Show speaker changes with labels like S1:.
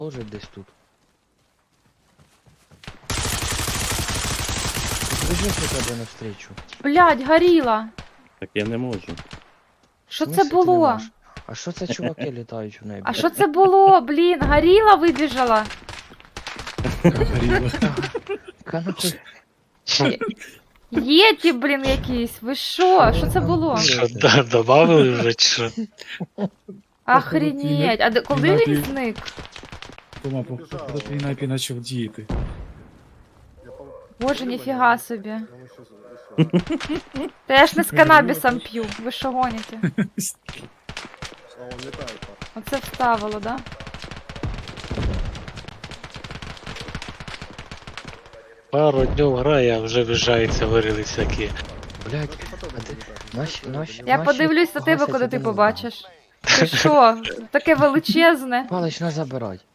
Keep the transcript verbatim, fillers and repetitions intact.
S1: Може десь тут. Біжиш до тебе навстрічу.
S2: Блядь, горіла.
S3: Так я не можу.
S2: Що
S1: В
S2: це
S1: смислі ти не
S2: було?
S1: можеш? А що це чуваки літають в небі?
S2: А що це було, блін? Горіла вибіжала.
S4: Горіло.
S1: Канахуй.
S2: Єті, блін, якісь. Ви що? Що це було?
S5: Що, да, добавили вже чи що?
S2: Охренеть. А де- коли він
S4: Ти-
S2: зник?
S4: Тома, походу твій напій почав діяти.
S2: Боже, ніфіга собі. Та я ж не з канабісом п'ю. Ви що гоніте? Оце вставило, да?
S5: Пару днів грає, а вже виїжджаються, вирили всякі.
S1: Блядь, а ти... Наші, наші,
S2: Я
S1: наші
S2: подивлюсь на тебе,
S1: гасять
S2: коли ти
S1: один одного.
S2: побачиш. Ти що? Таке величезне.
S1: Палич, не забирай.